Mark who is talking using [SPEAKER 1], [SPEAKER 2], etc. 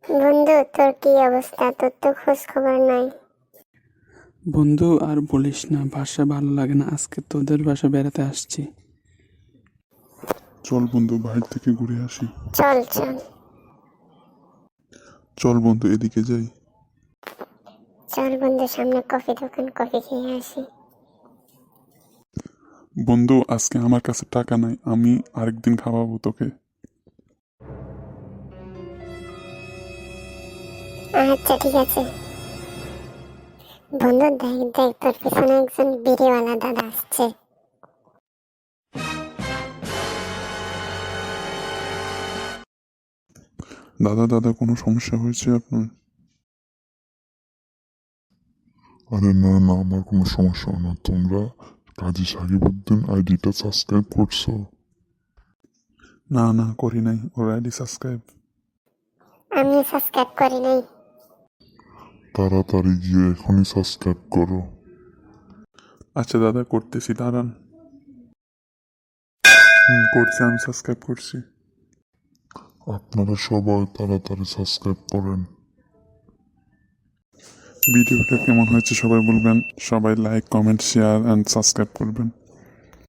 [SPEAKER 1] বন্ধু, তোর কি অবস্থা? তোর তো খোঁজ খবর নাই।
[SPEAKER 2] বন্ধু আর বলিস না, বাসা ভালো লাগে না। আজকে তোদের বাসা বেড়াতে আসছি।
[SPEAKER 3] চল বন্ধু, বাইরে থেকে ঘুরে আসি।
[SPEAKER 1] চল চল
[SPEAKER 3] চল বন্ধু, এদিকে যাই।
[SPEAKER 1] চল বন্ধু, সামনে কফি দোকান, কফি খেয়ে আসি।
[SPEAKER 3] বন্ধু, আজকে আমার কাছে টাকা নাই, আমি আরেকদিন খাওয়াবো তোকে।
[SPEAKER 1] আচ্ছা ঠিক আছে। বন্ধু দেখ দেখ, তোর পিছনে একজন বিড়িওয়ালা দাদা আসছে।
[SPEAKER 3] দাদা দাদা, কোনো সমস্যা হয়েছে আপনার? আরে না না, আমার কোনো সমস্যা না। তোমরা কাজী সাকিবউদ্দিন আইডিটা সাবস্ক্রাইব করছো? না না, করি নাই। ওর আইডি সাবস্ক্রাইব?
[SPEAKER 1] আমি সাবস্ক্রাইব করি নাই।
[SPEAKER 3] তাড়াতাড়ি গিয়ে এখনই সাবস্ক্রাইব করো। আচ্ছা দাদা, করতেছি, দাঁড়ান। করছি, আমি সাবস্ক্রাইব করছি। আপনারা সবাই তাড়াতাড়ি সাবস্ক্রাইব করেন। ভিডিওটা কেমন হয়েছে সবাই বলবেন। সবাই like, comment, share and subscribe করবেন।